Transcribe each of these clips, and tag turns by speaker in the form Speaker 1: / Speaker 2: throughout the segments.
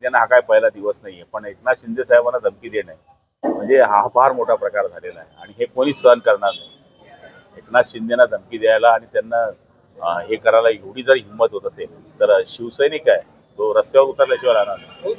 Speaker 1: त्यांना हा काय पहिला दिवस नाहीये, पण एकनाथ शिंदे साहेबांना धमकी देणे म्हणजे हा फार मोठा प्रकार झालेला आहे आणि हे कोणी सहन करणार नाही. एकनाथ शिंदेना धमकी द्यायला आणि त्यांना हे करायला एवढी जर हिंमत होत असेल तर शिवसैनिक आहे तो रस्त्यावर उतरल्याशिवाय राहणार नाही.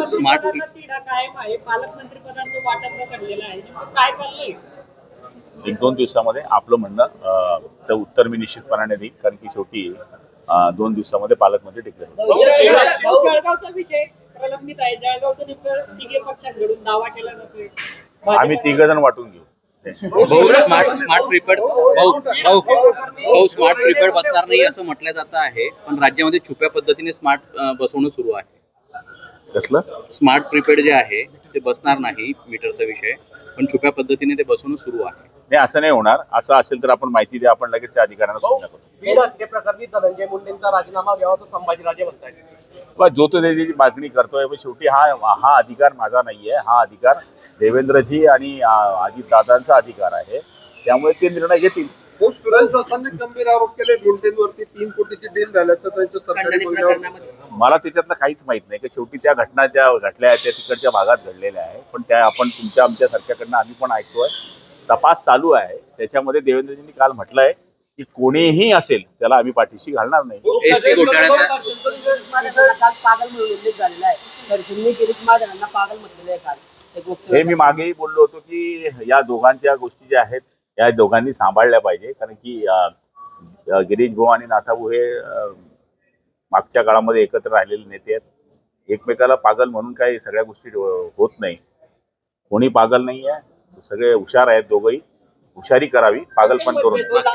Speaker 1: एक दोन दिवसामध्ये आपलं म्हणणं उत्तर मी निश्चितपणाने देईन, कारण की शेवटी 2 दिवसामध्ये पालकमंत्री डिक्लेअर होईल.
Speaker 2: जळगावचा विषय प्रलंबित आहे. जळगावचं नेमकं तिघे पक्षांकडून दावा केला जातोय.
Speaker 1: आम्ही 3 जण वाटून घेऊ.
Speaker 3: स्मार्ट प्रीपेड स्मार्ट प्रीपेड बसणार नाही असं म्हटलं जातं आहे, पण राज्यामध्ये छुप्या पद्धतीने स्मार्ट बसवणं सुरू आहे.
Speaker 1: कसलं
Speaker 3: स्मार्ट प्रीपेड जे आहे ते बसणार नाही, मीटरचा विषय, पण छुप्या पद्धतीने ते बसवणं सुरू आहे.
Speaker 1: नाही, असं नाही होणार. असं असेल तर आपण माहिती द्या, आपण लगेच त्या अधिकाऱ्यांना सूचना करू.
Speaker 4: बीड हत्येप्रकरणी धनंजय मुंडेंचा राजीनामा घ्यावा असं संभाजीराजे म्हणतायत.
Speaker 1: जो तो त्याची मागणी करतोय, पण शेवटी हा अधिकार माझा नाहीये. हा अधिकार देवेंद्रजी आणि अजितदादांचा अधिकार आहे, त्यामुळे ते निर्णय घेतील.
Speaker 5: सुरेश दसांनी गंभीर आरोप केले मुंडेंवरती 3 कोटीची डील झाल्याचं त्यांच्या सरकारी
Speaker 1: मला त्याच्यातलं काहीच माहित नाही की शेवटी त्या घटना ज्या घडल्या आहेत त्या तिकडच्या भागात घडलेल्या आहे, पण त्या आपण तुमच्या आमच्या सारख्याकडनं आम्ही पण ऐकतोय. तपास चालू आहे. त्याच्यामध्ये देवेंद्रजींनी काल म्हटलंय की कोणीही असेल त्याला आम्ही पाठीशी घालणार नाही.
Speaker 3: एसटी घोटाळ्याचा
Speaker 4: काल पागल म्हणून उल्लेख झालेला आहे. तर शिंदे शिरीष महाजनांना पागल म्हटलेलं आहे काल.
Speaker 1: हे मी मागेही बोललो होतो की या दोघांच्या गोष्टी ज्या आहेत या दोघांनी सांभाळल्या पाहिजे, कारण की गिरीश भाऊ आणि नाथाभाऊ हे मागच्या काळामध्ये एकत्र राहिलेले नेते आहेत. एकमेकाला पागल म्हणून काही सगळ्या गोष्टी होत नाही. कोणी पागल नाही आहे, सगळे हुशार आहेत. दोघंही हुशारी करावी, पागलपण करू नये.